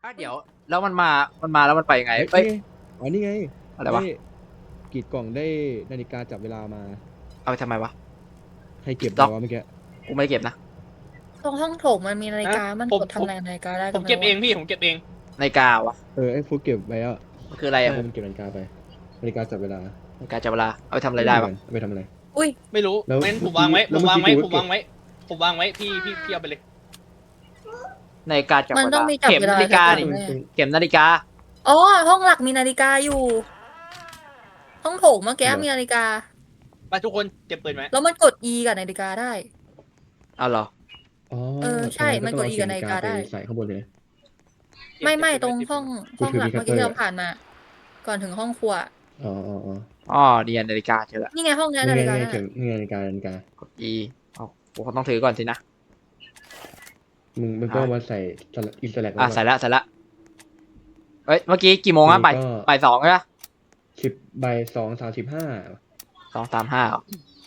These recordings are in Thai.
เดี๋ยวแล้วมันมาแล้วมันไปยังไงเอ้ยนี่ไงอะไรวะกรีดกล่องได้นาฬิกาจับเวลามาเอาไปทำไมวะใครเก็บไปล็อกวะเมื่อกี้กูไม่ได้เก็บนะตรงห้องโถงมันมีนาฬิกา มันกดทำอะไรนาฬิกาได้ผมเก็บเองพี่ผมเก็บเองนาฬิกาวะไอ้ฟุกเก็บไว้อ่ะมันคืออะไรอะมันเก็บนาฬิกาไปนาฬิกาจับเวลานาฬิกาจับเวลาเอาไปทำอะไรได้วะเอาไปทำอะไรอุ้ยไม่รู้แล้วงั้นผมวางไว้แล้ผวมวางไว้เมื่ผอมกี้วางไว้ผมวางไว้พี่เอาไปเลยนาฬิกาจับมันเวต้อลางมีจับเข็มเวลานาฬิกาจับดิเวลาเข็มนาฬิกาอ๋อ ห้องหลักมีนาฬิกาอยู่ ห้องโถงเมื่อกี้มีนาฬิกาไปทุกคนเก็บปืนไหมแล้วมันกด E กับนาฬิกาได้เอาเหรออ๋อใช่มันกด E กับนาฬิกาได้ใส่ข้างบนเลยไม่ตรงห้องหลักเมื่อกี้ที่เราผ่านมา ก่อนถึงห้องครัวอ๋ออ๋อเดียนนาฬิกาเจอละนี่ไงห้องนี้นาฬิกาเข็มนี่นาฬิกากด E เอากูต้องถือก่อนสินะมึงก็มาใส่อินสแลกใส่ละเอ้ยเมื่อกี้กี่โมงอะบ่ายสองใช่ปะ 10:02:35 2:35เหรอก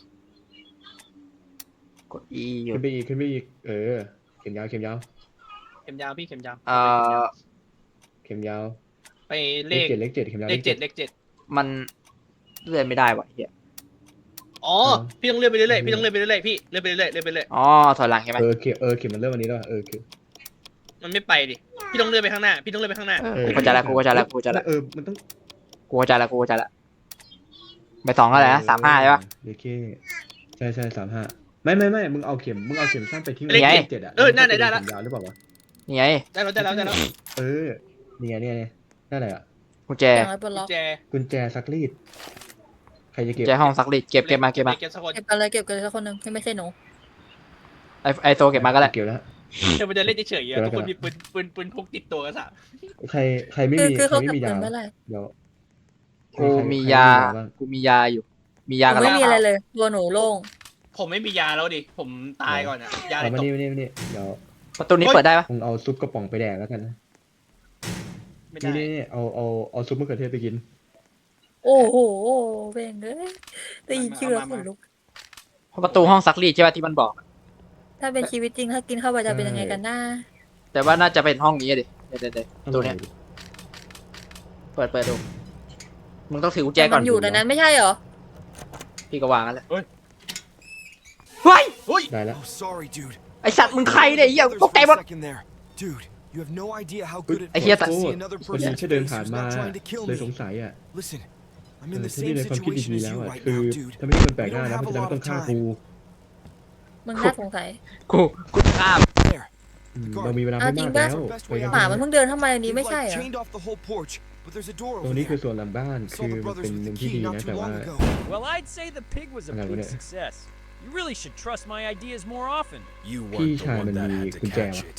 ด E อยู่ขึ้นไปอีกเข็มยาวเข็มยาวพี่เข็มยาวเข็มยาวไปเลขเลขเจ็ดเข็มยาวเลขเจ็ดมันเลื่อนไม่ได้วะเฮียอ๋อพี่ต้องเลื่อนไปเรื่อยๆพี่ต้องเลื่อนไปเรื่อยๆพี่เลื่อนไปเรื่อยๆเลื่อนไปเรื่อยอ๋อถอยหลังใช่ไหมเข็มมันเริ่มวันนี้แล้วเข็มๆมันไม่ไปดิพี่ต้องเลื่อนไปข้างหน้าพี่ต้องเลื่อนไปข้างหน้ากูเข้าใจละมันต้องกูเข้าใจละบ่ายสองอะไรนะ35ใช่ปะโอเคใช่35ไม่มึงเอาเข็มสั้นไปทิ้งเลขไว้7อ่ะนั่นไหนได้ละเข็มยาวหรือเปล่าวะนี่ไงได้แล้วนี่ไงได้อะไรอ่ะกุญแจอย่างไรบนล็อกแจกุญแจซักรีดใครจะเก็บกุญแจห้องซักรีดเก็บมาเก็บสักคนเก็บกันเลยสักคนหนึ่งที่ไม่ใช่หนูไอโซเก็บมาก็ได้เก็บแล้วเดี๋ยวมันจะเล่นเฉยๆทุกคนมีปืนพกติดตัวกันสามใครไม่มีคือเขาไม่เก็บมีเงิยานไม่ไรเดี๋ยวกูมียาอยู่มียาหนูกันไม่แล้วมีอะไรเลย ตัวหนูโล่งผมไม่มียาแล้วดิผมตายก่อนอะยาอะไรเอามาตกนี่เดี๋ยวประตูนี้เปิดได้ปะมึงเอาซุปกระป๋องไปแดกแล้วกันนะไม่ได้นี่เอาซุปมะเขือเทศไปกินโอ้โหเบ่งเลยได้ยินชื่อแล้วขนลุกประตูห้องซักรีดใช่ปะที่มันบอกถ้าเป็นชีวิตจริงถ้ากินเข้าไปจะเป็นยังไงกันหน้าแต่ว่าน่าจะเป็นห้องนี้ดิเดี๋ยวประตูเนี้ยเปิดดูมึงต้องถือกุญแจก่อนมันอยู่ในนั้นไม่ใช่เหรอพี่ก็วางกันแล้วเฮ้ยเฮ้ยได้แล้ว Oh, sorry, dude. ไอสัตว์มึงใครเนี่ยไอ้เหี้ย There's ตกใจหมด one second there. Dude, you have no idea how good it ไอ้เหี้ย feels แต่ to โท see ษ another คนนี้ person's แค่เดิน face ผ่าน who's มา not trying to kill เลย me. สงสัยอ่ะ Listen, I'm in the ที่นี่ same ในความคิด situation ดี as แล้ว you อ่ะ right คือ now, dude. ถ้าไม่ใช่คนแปลกหน้านะเพราะฉะนั้นต้องฆ่ากูมึงน่าสงสัยกูข้าม There. เรามีเวลาเอาไม่จริมาง กปะแล้วไปกันหมามันเพิ่งเดินเข้ามาในนี้ They've ไม่ใช่ like เหรอ chained off the whole porch, but there's a door ตรง over นี้คือ there. ส่วนหลังบ้าน Saw คือ the มัน brothers เป็น with หนึ่ the งที่ key ดี not นะ too แต่ว่า long ago. Well, I'd say the pig was a Okay, big well, success. You really should trust my ideas more often. You He weren't the tried one to that be had to good catch jam. it.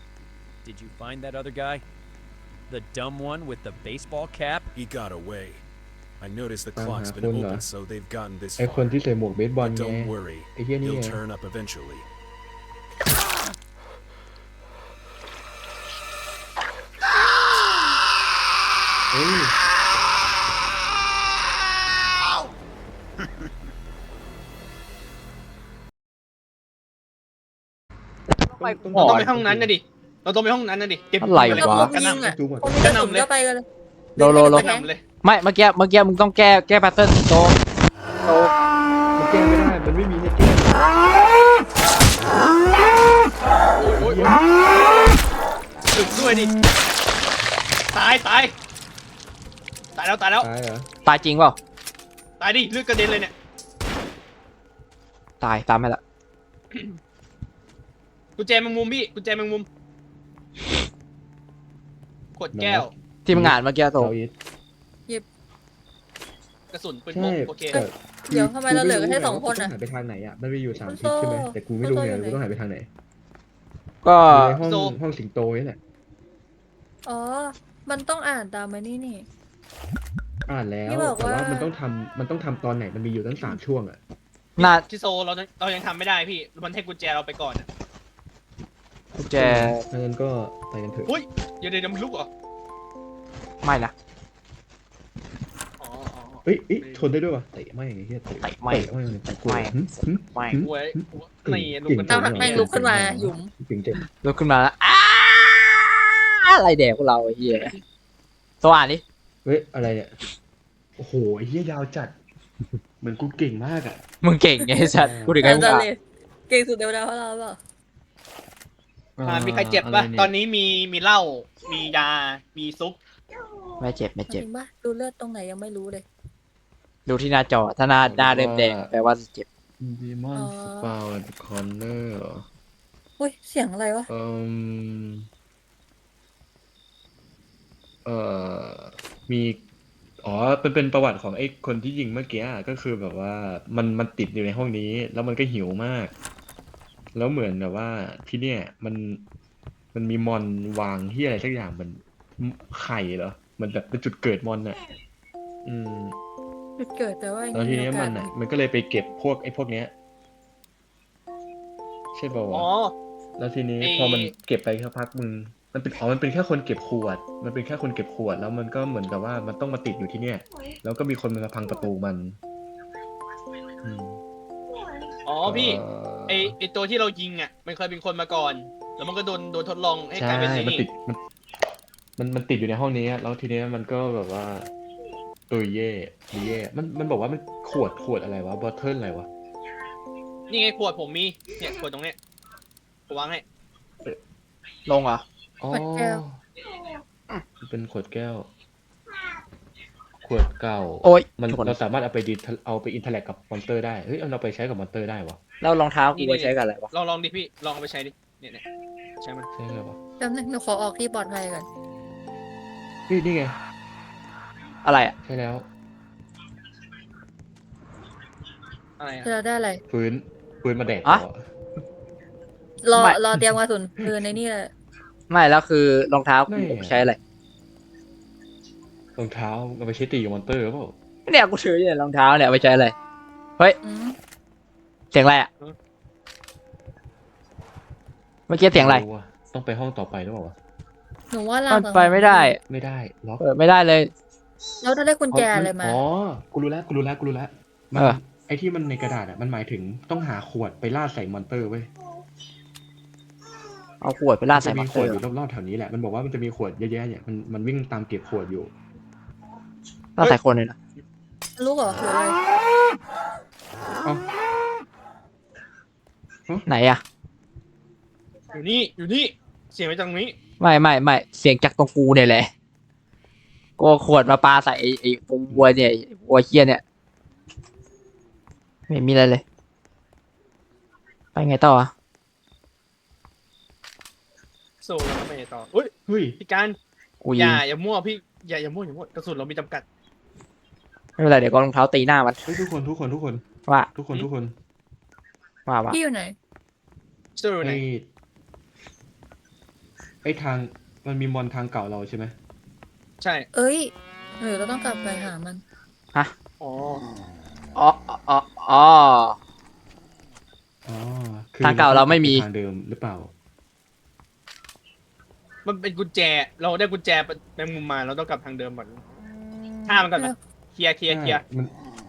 Did you find that other guy? The dumb one with the baseball cap? He got away. I noticed the Uh-huh, clock's been wala. open, so they've gotten this ไอคนที่ far. ใส่หมวกเบสบอล But ไง don't worry, ไอเหี้ยนี่ he'll ไง turn up eventually. เอ้ยเราต้องไปห้องนั้นนะดิเราต้องไปห้องนั้นนะดิเก็บอะไรแล้ววะพวกยิงอ่ะจุ๊บอ่ะคนมีกระสุนก็ไปกันเลยโลกระหน่ำเลยไม่เมื่อกี้มึงต้องแก้แพทเทิร์นโตมันแก้ไม่ได้มันไม่มีให้แก้โอ้ยถึงด้วยดิตายแล้วตายเหรอตายจริงเปล่าตายดิเลือดกระเด็นเลยเนี่ยตามไปละกุญแจแมงมุมพี่กุญแจแมงมุมขวดแก้วที่มึงอ่านเมื่อกี้โตเซาอีทกระสุนปืนพใช่กโอเคแต่เดี๋ยวทำไมเราเหลือกันแค่2 คนต้ออ่ะงหันไปทางไหนอ่ะมันมีอยู่3 คุณทิศใช่ไหมโซ่แต่กูไม่รู้ไงคุณโซ่อยู่ไหนกูต้องหันไปทางไหนก็อยู่ในห้องสิงโตนี่แหละอ๋อ มันต้องอ่านตามมานี่อ่านแล้วที่บอกแต่ว่าว่ามัมันต้องทำตอนไหนมันมีอยู่ตั้ง3 ช่วงอ่ะน่าที่โซเรายังทำไม่ได้พี่มันให้กุญแจเราไปก่อนอะกุญแจงั้นก็ไปกันเถอะอุ้ยเดี๋ยวมันลุกเหรอไม่นะอ๋อเอ้ยชนได้ด้วยวะเตะไม่ไอ้เหี้ยเตะเตะไม่ไม่กลัวไม่หึไม่หวยนี่ลุกกันๆตามแม่งลุกขึ้นมาหยุมเก่งเจ๋งลุกขึ้นมาแล้วอะไรแดกพวกเราไอ้เหี้ยสว่านดิเฮ้ยอะไรเนี่ยโอ้โหไอ้เหี้ยยาวจัดเหมือนกูเก่งมากอ่ะมึงเก่งไงไอ้สัตว์กูถึงให้มึงแต่อ่ะเลยเก่งสุดในบรรดาพวกเราเปล่ามีใครเจ็บปะตอนนี้มีเหล้ามียามีซุปไม่เจ็บไม่จเจ็บริงปะดูเลือดตรงไหนยังไม่รู้เลยดูที่หน้าจอถ้าหน้าเริ่มแดงแปลว่าเจ็บดีมอนสปาวคอนเนอร์อุ้ยเสียงอะไรวะเอ่อมีอ๋อเป็นประวัติของไอ้คนที่ยิงเมื่อกี้อะก็คือแบบว่ามันติดอยู่ในห้องนี้ แล้วมันก็หิวมาก แล้วเหมือนแบบว่าที่เนี่ยมันมีมอนวางที่อะไรสักอย่างเหมือนไข่เหรอเหมือนแบบเป็นจุดเกิดมอนน่ะอืมจุดเกิดแต่ว่ายังแล้วทีมีเนี้โอยกามัสนอ่ะมันก็เลยไปเก็บพวกไอ้พวกเนี้ย ใช่ป่าวะอ๋อแล้วทีนี้ไอ้พอมันเก็บไปสักพักมันเป็นแค่คนเก็บขวด มันเป็นแค่คนเก็บขวด แล้วมันก็เหมือนกับว่ามันต้องมาติดอยู่ที่เนี่ย แล้วก็มีคนมาพังประตูมัน อืมอ๋อพี่เอ่อไอตัวที่เรายิงอ่ะมันเคยเป็นคนมาก่อน แล้วมันก็โดนทดลองให้กใช่ลายเป็นไอ้มันนี่ติดมันติดอยู่ในห้องนี้อะแล้วทีเนี้ยมันก็แบบว่าตุยเย่ดีเย่มันบอกว่ามันขวดอะไรวะบอทเทิลอะไรวะนี่ไงขวดผมมีเนี่ยขวดตรงเนี้ยผมวางให้ลงเหรออ๋อขวดแก้วมันเป็นขวดแก้ว ขวดเก่าโอ๊ยมันทุกคนเราสามารถเอาไปอินเทอร์แลกกับมอนสเตอร์ได้เฮ้ยเอาไปใช้กับมอนสเตอร์ได้วะแล้วรองเท้ากูไว้ใช้กับอะไรวะลองดิพี่ลองเอาไปใช้ดิเนี่ยใช่ไหมใช่ไหมวะแป๊บนึงหนูขอออกที่ปลอดภัยก่อนนี่ไงอะไรอ่ะใช่แล้วอะไรอะจะได้อะไรปืนมาแดกอะต่อรอไม่รอเตรียมกระสุนปืนในนี่เลยไม่แล้วคือรองเท้ากูใช้อะไรรองเท้าเอาไปใช้ตีกับมอนสเตอร์หรือเปล่าเนี่ยกูถืออยู่เนี่ยรองเท้าเนี่ยเอาไปใช้อะไรเฮ้ยอืมเสียงอะไรอ่ะเมื่อกี้เสียงอะไรม่ว่ต้องไปห้องต่อไปหรือเปล่าวะหนูว่าเรามันไปไม่ได้ไม่ได้ล็อกเปิดไม่ได้เลยเราจะได้กุญแจอะไรมาอ๋อกูรู้แล้วมันเออไอ้ที่มันในกระดาษอ่ะมันหมายถึงต้องหาขวดไปล่าดใส่มอนสเตอร์เว้ยเอาขวดไปลาดใส่จะมัมีนขเตอวดร์อยู่รอบๆแถวนี้แหละ มันบอกว่ามันจะมีขวดเยอะแยะเนี่ยมันวิ่งตามเก็บขวดอยู่ลาดใส่คนเลยนะรู้เหรอหรืออะไรเอ้าไหนอ่ะอยู่นี่เสียงมาจากตรงนี้ไม่เสียงจากตรงกูเนี่ยแหละกูเอาขวดมาปาใส่ไอ้วัวเนี่ยไอ้วัวเคียเนี่ยไม่มีอะไรเลย ไปไงต่ออ่ะโซ่แล้วไปต่อเฮ้ยเฮ้ยพี่การกูอยิงย่ามั่วพี่อย่ามั่วกระสุนเรามีจำกัดไม่เป็นไรเดี๋ยวก็รองเท้าตีหน้ามันเฮ้ยทุกคนว่าพี่อยู่ไหนเจอไหนไอ้ทางมันมีมอนทางเก่าเราใช่ไหมใช่เอ้ยหรือเราต้องกลับไปหามันอ๋ออ๋ออ๋ออ๋ออ๋อทางเก่าเราไม่มีทางเดิมหรือเปล่ามันเป็นกุญแจเราได้กุญแจแมงมุมมาเราต้องกลับทางเดิมก่อนฆ่ามันก่อนไหมเคลียร์มัน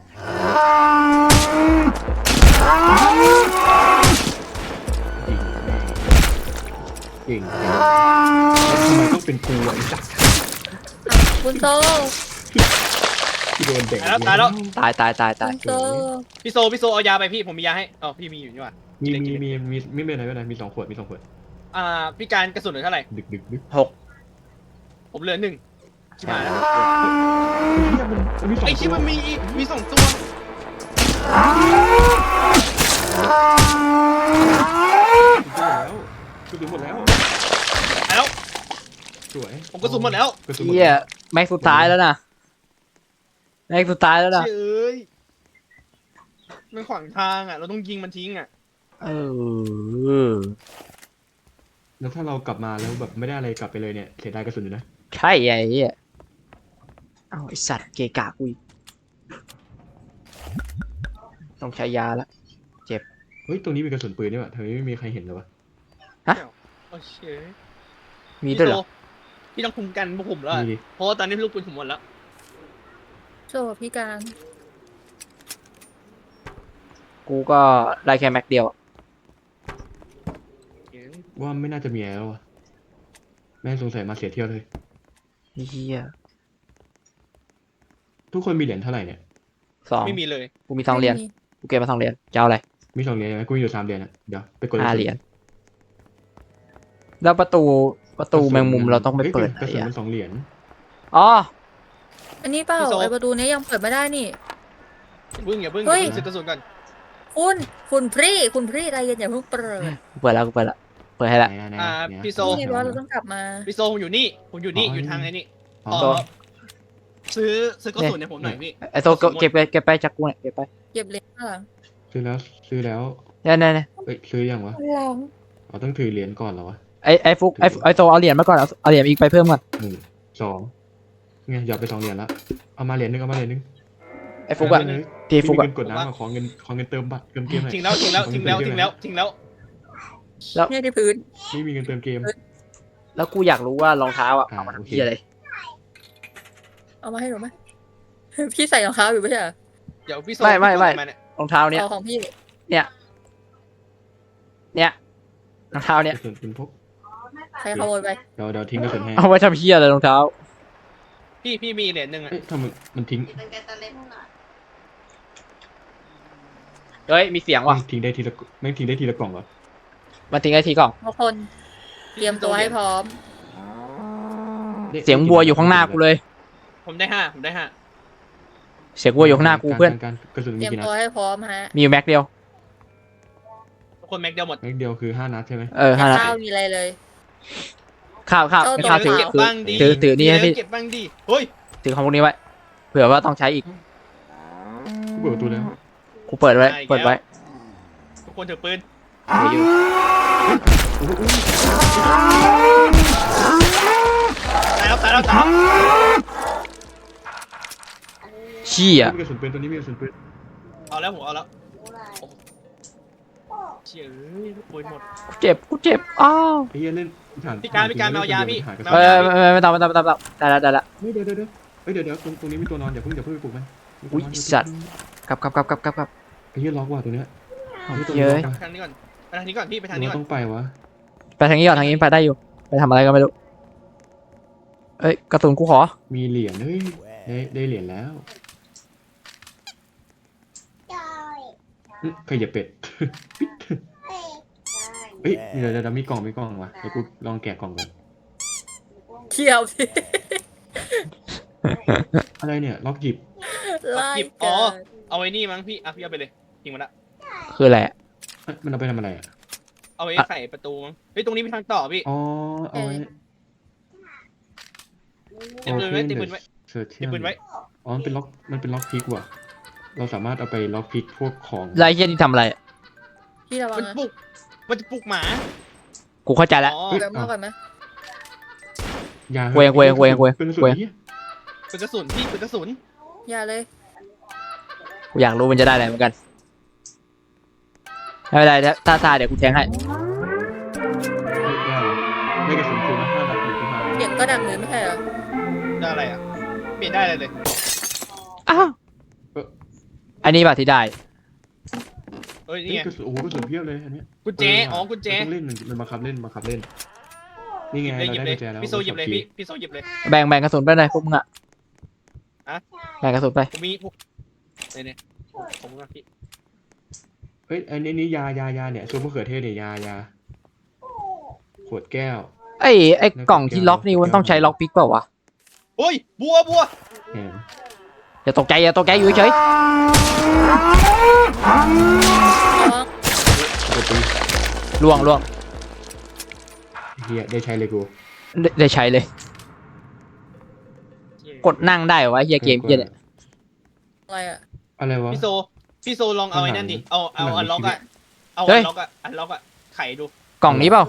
เก่งทำไมต้องเป็นกูไอ้สัสคุณโซที่โดนเด็กตายแล้วตายคุณโซพี่โซเอายาไปพี่ผมมียาให้อ๋อพี่มีอยู่นี่หว่ามีไม่เป็นไรมี2 ขวดพี่การกระสุนเหลือเท่าไหร่ดึกผมเหลือ1ชิบหายแล้วมันมี2 ไอ้ชิบมันมี2ตัวกระสุนหมดแล้วตายแล้วสวยผมกระสุนหมดแล้วกระสุนหมดเฮียแล้วแม็กซ์สุดท้ายแล้วนะแม็กซ์สุดท้ายแล้วนะเอ้ยมันขวางทางอ่ะเราต้องยิงมันทิ้งอ่ะเออแล้วถ้าเรากลับมาแล้วแบบไม่ได้อะไรกลับไปเลยเนี่ยเสียดายกระสุนอยู่นะใช่ไอ้เหี้ยเอาไอสัตว์เกะกะกูอีกต้องใช้ยาละเฮ้ยตรงนี้มีกระสุนปืนนี่หว่าทำไมไม่มีใครเห็นเลยวะโอเคมีด้วยเหรอพี่ต้องคุมกันพวกผมแล้วอะมีดิเพราะว่าตอนนี้ลูกปืนผมหมดแล้วโซพี่การกูก็ได้แค่แม็กเดียวอะว่าไม่น่าจะมีแล้วอะแม่งสงสัยมาเสียเที่ยวเลยเฮียทุกคนมีเหรียญเท่าไหร่เนี่ย 2 ไม่มีเลยกูมี2 เหรียญกูเก็บมา2 เหรียญจะเอาอะไรมี2 เหรียญใช่ไหมกูมีอยู่3 เหรียญอะเดี๋ยวไปกด 5 เหรียญแล้วประตูแมงมุมเราต้องไปเปิดกระไหนสุนอะมัน2 เหรียญอ๋ออันนี้เปล่าพี่โซไอประตูนี้ยังเปิดไม่ได้นี่อย่าเพิ่งเฮ้ยซื้อกระสุนก่อนคุณพรี่ใจเย็นอย่าเพิ่งเปิดกูเปิดแล้วเปิดให้ละไหนๆๆอ่าเนี่ยพี่โซนี่ไงบอสเราต้องกลับมาพี่โซผมอยู่นี่อยู่ทางไอ้นี่อ๋อต่อซื้อกระสุนให้ผมหน่อยพี่ไอโซเก็บไปจากกูเนี่ยเก็บไปเก็บเหรียญข้างหลังซื้อแล้วเนี่ยเอ้ยซื้อยังวะข้างหลังเราต้องถือเหรียญก่อนเหรอวะไอฟุกไอโซเอาเหรียญมาก่อนเอาเหรียญอีกไปเพิ่มก่อน 1 2ไงหยอดไป2 เหรียญละเอามาเหรียญนึงไอฟุกอะเลยทีฟุกมีอะเงินกดน้ำขอเงินเติมบัตรเติมเกมหน่อยทิ้งแล้วทิ้งแล้วเนี่ยที่พื้นไม่มีเงินเติมเกมแล้วกูอยากรู้ว่ารองเท้าอะเอามาโอทำเคที่อะไรเอามาให้หนูไหม พี่ใส่รองเท้าอยู่ไม่ใช่เหรอเดี๋ยวพี่โซไม่เนี่ยรองเท้าเนี้ยเอาของพี่เนี่ยรองเท้าก เนี้ยระสุนปืนพกใครขโมยไปเดี๋ยวทิ้งกระสุนให้เอาไว้ทำเฮียอะไรรองเท้าพี่มีเหรียญหนึ่งอะเอ้ยทำไมมันทิ้งเฮ้ยมีเสียงว่ะไม่ทิ้งได้ทีละกล่องเหรอมันทิ้งไอทีกล่องทุกคนเตรียมตัวให้พร้อมเสียงวัวอยู่ข้างหน้ากูเลยผมได้ห้าเสียงวัวอยู่ข้างหน้ากูเพื่อนการกระสุนเตมีรียมกี่นัตัวดให้พร้อมฮะมีอยู่แม็กเดียวทุกคนแม็กเดียวหมดแม็กเดียวคือ5 นัดใช่ไหม 5 นัดข้าวมีอะไรเลยข้าวเอาไม่ตัวข้าวถือเปล่าบ้างดีถือนี่ให้พี่เก็บบ้างดีเฮ้ยถือของพวกนี้ไว้เผื่อว่าต้องใช้อีกกูเปิดประตูแล้วกูเปิดไว้ได้อีกแล้วเปิดไว้ทุกคนถือปืนถืออยู่ตายแล้วเชี่ยมีกระสุนปืนตัวนี้มีกระสุนปืนเอาแล้วผมเอาแล้วเชี่ยเอ้ยปืนหมดกูเจ็บอ้าวไอ้เหี้ยเล่นฐานพี่การเอายาพี่หากระเอสุนไม่ต้องได้ละไม่เดี๋ยวเฮ้ยเดี๋ยวตรงนี้มีตัวนอนอย่าเพิ่งไปปลุกมันมีตัวนอนอุ๊ยสัตว์ กลับไอ้เหี้ยล็อกว่ะตัวเนี้ยเย้ยไปทางนี้ก่อนพี่ไปทางนี้ก่อนต้องไปวะไปทางนี้ก่อนทางนี้ไปได้อยู่ไปทำอะไรก็ไม่รู้เอ้ยกระสุนกูขอมีเหรียญเฮ้ยได้เหรียญแล้วใครอย่าเป็ดเฮ้ยเดี๋ยวมีกล่องว่ะเดี๋ยวกูลองแกะกล่องก่อนเที่ยวสิอะไรเนี่ยล็อกหยิบไล่อ๋กัอน เอาไว้นี่มั้งพี่พี่เอาไปเลยทิ้งมันละคืออะไรอะเอ้ยมันเอาไปทำอะไรอ่ะเอาไว้ไขประตูมั้งเฮ้ยตรงนี้มีทางต่อพี่อ๋อเอาไว้ติดปืนไว้ติดปืนไว้เสิร์ชติดปืนไว้อ๋อมันเป็นล็อกพิกว่ะเราสามารถเอาไปล็อกพิกพวกของไล่เฮียนี่ทำอะไรอะพี่ระวังมันนะปลุกมันจะปลุกหมากูเข้าใจแล้วอ๋อเดี๋ยวมาก่อนไหมยาเว้ยเป็นส่วนนี้เป็นกระสุนพี่เป็นกระสุนอย่าเลยกูอยากรู้มันจะได้อะไรเหมือนกันไม่เป็นไรถ้าเดี๋ยวกูแทงให้ได้กระสุนคืนมา5 นัดหรือประมาณเสียงก็ดังเลยไม่ใช่เหรอได้อะไรอ่ะเปลี่ยนได้เลยอ้าวอันนี้ป่ะที่ได้เอ้ยเฮ้นี่ยไงกระสุนโอ้โหกระสุนเพียบเลยอันเนี้ยกุญแจอ๋อกุญแจมันต้องเล่นมันบังคับเล่นนี่หไงยิบเราเลยได้กุญแจแล้วพี่โซหยิบเลยพี่โซหยิบเลยแบ่งกระสุนไปเลยพวกมึงอะอะแบ่งกระสุนไปผมมีเนี่ยผมว่าพี่เฮ้ยอันนี้ยาเนี่ยซุปมะเขือเทศเนี่ยยาขวดแก้วไอ้กล่องที่ล็อกนี่มันต้องใช้ล็อกพิกเปล่าวะโอ้ยบัวแหมอย่าตกใจอยู่เฉยน้องปกติล่วงเฮียได้ใช้เลยกูได้ใช้เลย กดนั่งได้เหรอวะเฮียเกมเฮียเนี่ยอะไรอ่ะอะไรวะพี่โซลองเอาไอ้นั่นดิเอาอันล็อกอะเอาเฮ้อัยนล็อกอะไขดูกล่องนี้เปล่า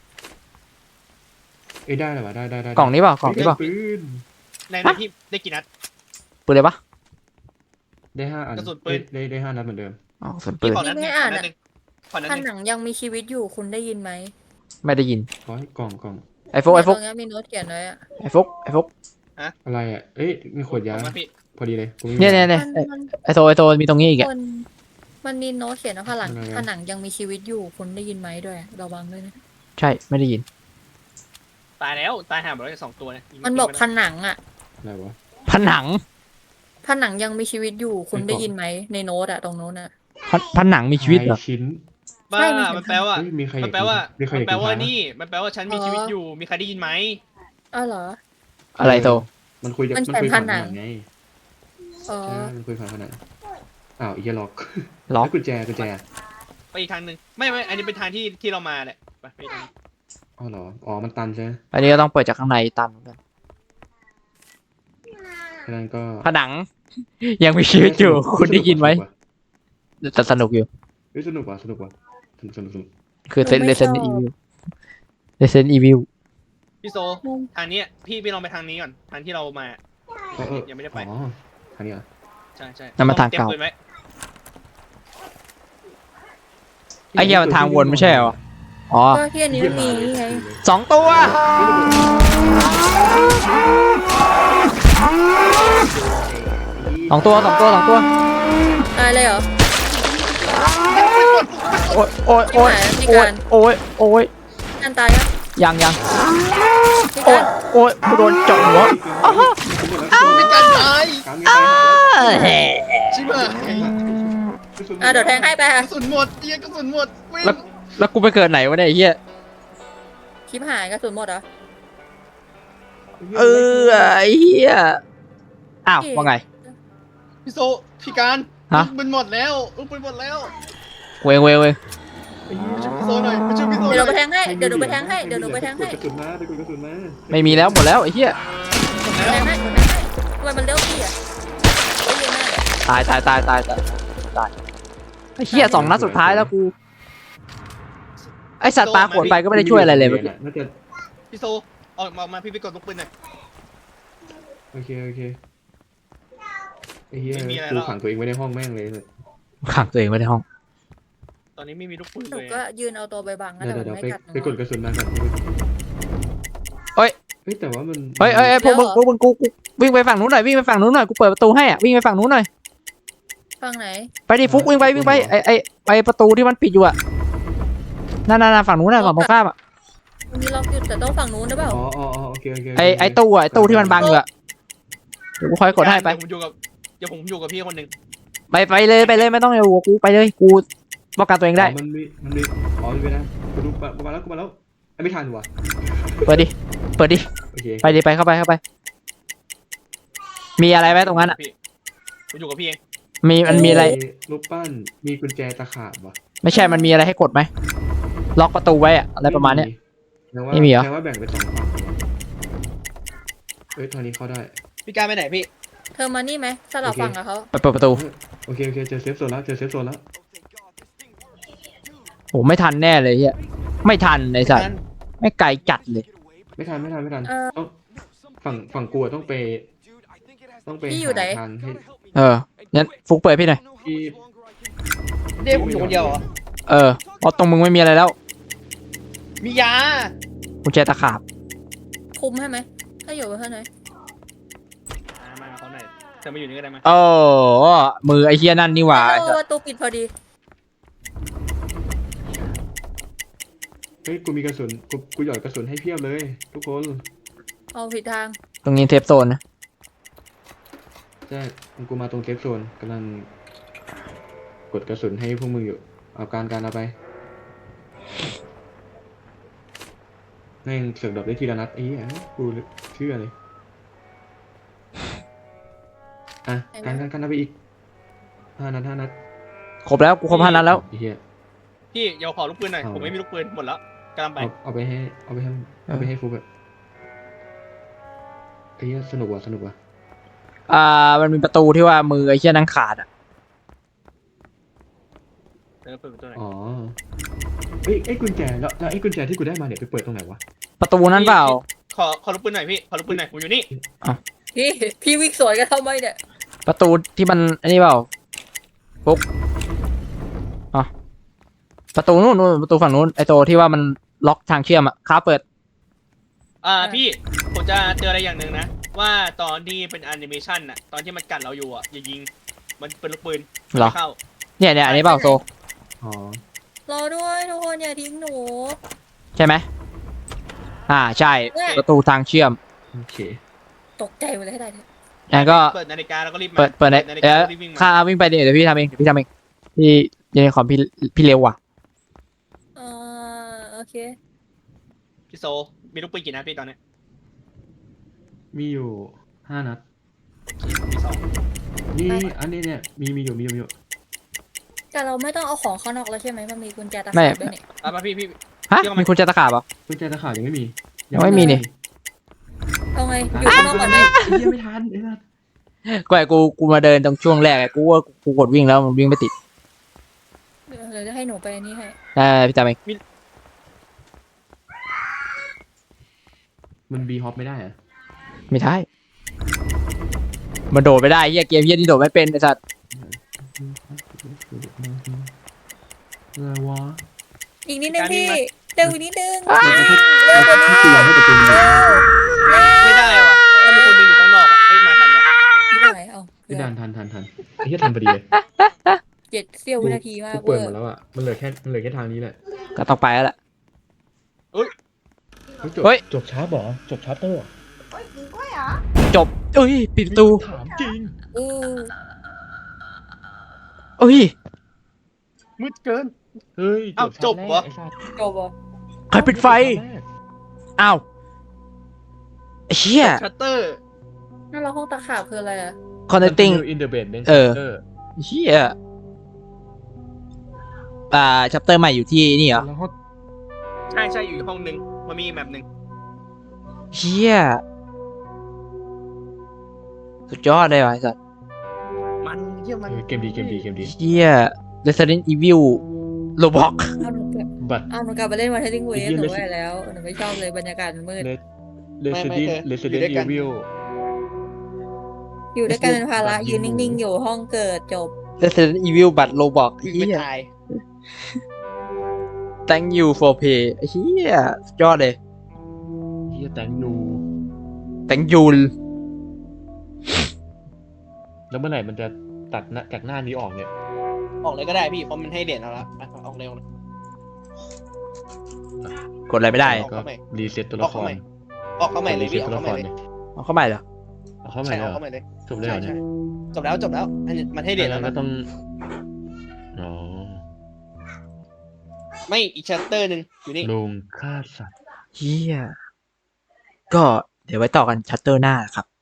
เอ้ยได้เลยวะได้กล่องนี้เปล่ากล่องนี้เปล่าปืนในพี่ได้กี่นัดปืนเลยปะได้5 อันกระสุนปืนได้5 นัดเหมือนเดิมอ๋อส่วนปืพี่นขอนัดหนึ่งขอนัดหนึ่งถ้าหนังยังมีชีวิตอยู่คุณได้ยินไหมไม่ได้ยินร้อยกล่องไอ้ฟุกตรงนี้มีโน้ตเขียนไว้อ่ะไอ้ฟุกอะไรอ่ะเอ้ยมีขวดยาผมว่าพี่พอดีเลยกูไม่มีเนี่ยมันไอ้โซมีตรงนี้อีกอะคนมันมีโน้ตเขียนว่าอะไรวะผนังยังมีชีวิตอยู่คุณได้ยินไหมด้วยระวังด้วยนะใช่ไม่ได้ยินตายแล้วตายห่าหมดแล้ว2 ตัวเนี่ยมันบอกผนังอ่ะอะไรวะผนังผนังยังมีชีวิตอยู่คุณได้ยินไหมในโน้ตอะตรงโน้นอะผนังมีชีวิตเหรอทายชิ้นบ้าใช่มันมันแปลว่าเฮ้ยมีใครมันแปลว่ามีใครมันแปลว่าอยากกินนี่มันแปลว่าฉันมีชีวิตอยู่มีใครได้ยินไหมอ้าวเหรออะไรโตมันคุยมันมันแผ่นคุยผผ่านนัผงนังไงอ๋อใช่มันคุยผ่านผนังอ้าวอีกล็อกล็อกแล้วกุญแจไปอีกทางหนึ่งไม่อันนี้เป็นทางที่เรามาแหละไปอีกทางอ๋อเหรออ๋อมันตันใช่ไหมอันนี้ก็ต้องเปิดจากข้างในตันเหมือนกันฉะนั้นก็ผนัง ยังมีชีวิตอยู่ คุณได้ยินไหมแต่สนุกอยู่เฮ้ยสนุกว่ะสนุกคือเซนเซนอีวิลเซนอีวิลพี่โซทางเนี้ยพี่ลองไปทางนี้ก่อนทางที่เรามา ยังไม่ได้ไปอ๋อทางนี้เหรอใช่นั่นมันทางเก่าตรียมปืนไว้ไอ้เหี้ยมันทางวนไม่ใช่เหรอ อ๋อก็ที่อันนี้มันมีนี่ไง 2 ตัว 2 ตัว 2 ตัว 2 ตัวตายเลยเหรอโอ้ยโอ้ยโอ้ยพี่โอ้กาย รโอ้ยโอ้ยอันตายยังยังพี่โอ้กาย รโอ้ยกูโดนเจาะหัวเป็นการตายกลางยังไงชิบหายเดี๋ยวแทงให้ไปกระสุนหมดเหี้ยกระสุนหมดวิ่งแล้วกูไปเกิดไหนวะเนี่ยไอ้เหี้ยคลิปหายกระสุนหมดเหรอไอ้เหี้ย อ้าวว่าไงพี่โซพี่การฮะลูกปืนหมดแล้วลูกปืนหมดแล้วเวงช่วยพี่โซหน่อยไปช่วยพี่โซหเดี๋ยวหนูน่อยไปแทงให้ เดี๋ยวหนูไปแทงให้ เดี๋ยวหนูไปแทงให้กดกระสุนมาไปกดกระสุนมาไม่มีแล้วหมดแล้วไอ้เหี้ยแทงให้แทงให้ทำไมมันเลี้ยวพี่อะไม่เยอะมากตายไอ้เหี้ย2 นัดสุดท้ายแล้วกู ไอสัตว์ปลาขวดไปก็ไม่ได้ช่วยอะไรเลยเมื่อกี้น่าจะพี่โซออกมาพี่ไปกดลูกปืนหน่อยโอเคไอ้เหี้ยไม่มีอะไรกูแล้วขังตัวเองไว้ในห้องแม่งเลยเนี่ยขังตัวเองไว้ในห้องตอนนี้ไม่มีลูกปืนหนูเลยก็ยืนเอาตัวไปบังนะเดี๋แต่ยวมันเดี๋ยวไม่กัดหนูไปกดกระสุนมาก่อนเฮ้ยเฮ้ยแต่ว่ามันเฮ้ยพวกมึงกูวิ่งไปฝั่งนู้นหน่อยวิ่งไปฝั่งนู้นหน่อยกูเปิดประตูให้อ่ะวิ่งไปฝั่งนู้นหน่อยฝั่งไหนไปดิฟุกวิ่งไปไปประตูที่มันปิดอยู่อ่ะนั่นฝั่งนู้นน่ะฝั่งตรงข้ามอ่ะมันมีล็อกอยู่แต่ต้องฝั่งนู้นหรือเปล่าอ๋อโอเคไอตู้ที่มันบังอยู่อ่ะเดี๋ยวกูคอยกดให้ไปเดี๋ยวผมอยู่กับพี่คนหนึ่งไปเลยไม่ต้องอยู่กับกูไปเลยกูป้องกันตัวเองได้มันมีอ๋อมีนะกูดูมาแล้วไม่ทันว่ะเปิดดิโอเคไปดิไปเข้าไปมีอะไรไหมตรงนั้นอ่ะพี่ผมอยู่กับพี่เองมันมีอะไรรูปปั้นมีกุญแจตะขาบว่ะไม่ใช่มันมีอะไรให้กดไหมล็อกประตูไว้อะอะไรประมาณเนี้ย ไม่มีเหรอแปลว่าแบ่งเป็น2ฝั่งเอ้ยทางนี้เข้าได้พี่การไปไหนพี่เธอมานี่ไหมสลับฝั่งกับเขาไปเปิดประตูโอเคเจอเซฟโซนแล้วโอ้ไม่ทันแน่เลยเฮียไม่ทันไอ้สัตว์ไม่ไกลจัดเลยไม่ทันต้องฝั่งกูต้องไปหาทางให้งั้นฟุกเปิดพี่หน่อยที่เด้ผมอยู่คนเดียวเหรอเพราะตรงมึงไม่มีอะไรแล้วมียากุญแจตะขาบคุมให้ไหมถ้าอยู่เพื่อนไหนมาเขาหน่อยเธอมาอยู่นี่ก็ได้มาโอ้มือไอ้เฮียนั่นนี่หว่าไอ้สัตว์ประตูปิดพอดีเฮ้ยกูมีกระสุนกูหยอดกระสุนให้เพียบเลย ทุกคนเอาผิดทางตรงนี้เทปโซนนะใช่กูมาตรงเซฟโซนกำลังกดกระสุนให้พวกมึงอยู่เอาการเอาไปแม่งเสือกดรอปได้ทีละนัดกูเชื่อเลยอ่ะการเอาไปอีก5 นัดครบแล้วกูครบ5 นัดแล้วไอ้เหี้ยพี่เดี๋ยวขอลูกปืนหน่อยเอาผมไม่มีลูกปืนหมดแล้วกำลังไปเอาไปให้ฟุกแบบไอ้เหี้ยสนุกว่ะมันมีประตูที่ว่ามือไอ้เฮียนั่งขาดอ่ะเปิดประตูหน่อยอ๋อเอ้ยไอ้กุญแจแล้วไอ้กุญแจที่กูได้มาเนี่ยไปเปิดตรงไหนวะประตูนั้นเปล่าขอลูกปืนหน่อยพี่ขอลูกปืนหน่อยผมอยู่นี่พี่วิ่งสวนกันทำไมเนี่ยประตูที่มันอันนี้เปล่าฟุกประตูนู้นประตูฝั่งนู้นไอ้ตัวที่ว่ามันล็อกทางเชื่อมอ่ะค้าเปิดพี่ผมจะเจออะไรอย่างหนึ่งนะว่าตอนที่เป็นแอนิเมชันน่ะตอนที่มันกัดเราอยู่อ่ะอย่ายิงมันเป็นลูกปืนเหรอไม่เข้าเนี่ยอันนี้เปล่าโซอ๋อรอด้วยทุกคนอย่าทิ้งหนูใช่ไหมใช่ประตูทางเชื่อมโอเคตกใจหมดเลยให้ได้เถอะงั้นก็เปิดนาฬิกาแล้วก็รีบมาเปิดในนาฬิกาแล้วก็รีบวิ่งมาข้าวิ่งไปเดี๋ยวพี่ทำเองพี่ทำเองพี่ยังของพี่เร็วว่ะโอเคพี่โซมีลูกปืนกี่นัดพี่ตอนเนี้ยมีอยู่5 นัดพี่สองนี่อันนี้เนี่ยมีอยู่แต่เราไม่ต้องเอาของข้างนอกแล้วใช่ไหมมันมีกุญแจตะไม่ขาบด้วยนี่เอามาพี่ฮะเชื่อไหมมีคุณจะตะขาบเหรอกุญแจตะขาบยังไม่มียังไม่มีนี่เอาไงอยู่ข้างนอกก่อนไหมเหี้ยไม่ทันไอ้สัสกูมาเดินตรงช่วงแรกกูว่ากูกดวิ่งแล้วมันวิ่งไม่ติดเดี๋ยวจะให้หนูไปนี่ให้พี่ทำเองมันบีฮอปไม่ได้เหรอะไม่ได้มันโดดไม่ได้เฮียเกมเฮียนี่โดดไม่เป็นไอ้สัตว์อะไรวะอีกนิดนึงพี่เร็วอีกนิดนึงแล้วก็ที่ตัวให้ประตูมันไม่ได้ว่ะถ้ามีคนหนึงอยู่ข้างนอกอ่ะเอ้ยมาทันวะนี่ได้เอาไม่ทันไอ้เหี้ยทันพอดีเลย 7 เสี้ยววินาทีมากกูเปิดหมดแล้วอ่ะมันเหลือแค่ทางนี้แหละก็ต้องไปแล้วแหละเฮ้ยเฮ้ยจบช้าบอจบช้าเตอร์จบเอ้ยปิดประตูถามจริงเออเอ้ยมืดเกินเฮ้ยเอ้าจบเหรอไอ้สัสจบอ่ะใครปิดไฟอ้าวไอ้เฮียชัตเตอร์นั่นเราห้องตะขาบคืออะไรอ่ะ connecting in the basement เออ เฮียชัปเตอร์ใหม่อยู่ที่นี่เหรอแล้วก็ใช่อยู่อีกห้องหนึงมันมีอีกแบบหนึ่งเฮียสุดยอดเลยว่ะไอ้สัตว์มันเยี่ยมมันเกมดีเฮีย Resident Evil Roblox เอาหนูกลับบัตรเอาหนูกลับไปเล่นวันเทนนิงเวไอ้สเหี้ยหนูไปแล้วหนูไม่ชอบเลยบรรยากาศมันมืด Resident Evil อยู่ด้วยกันเป็นภาระยืนนิ่งๆอยู่ห้องเกิดจบ Resident Evil บัตร Roblox วิ่งเฮีไม่ยตาย Thank you for pay เฮียสุดยอดเลยเฮียแตงยู Thank you แล้วเมื่อไหร่มันจะตัดหน้าจากหน้านี้ออกเนี่ยออกเลยก็ได้พี่เพราะมันให้เหรียญเอาละไปออกเร็วนะกดอะไรไม่ได้ก็รีเซ็ตตัวละครออกเข้าใหม่เลยพี่ออกเข้าใหม่เลยเอาเข้าใหม่เหรอเอาเข้าใหม่ใช่เลยออกเหรอเข้าใหม่เลยจบเลยเหรอเนี่ยจบแล้วมันให้เหรียญแล้วก็นะต้องอ๋อไม่อีกชัตเตอร์หนึ่งอยู่นี่ลงฆ่าสัตว์เฮียก็เดี๋ยวไว้ต่อกันชัตเตอร์หน้าครับ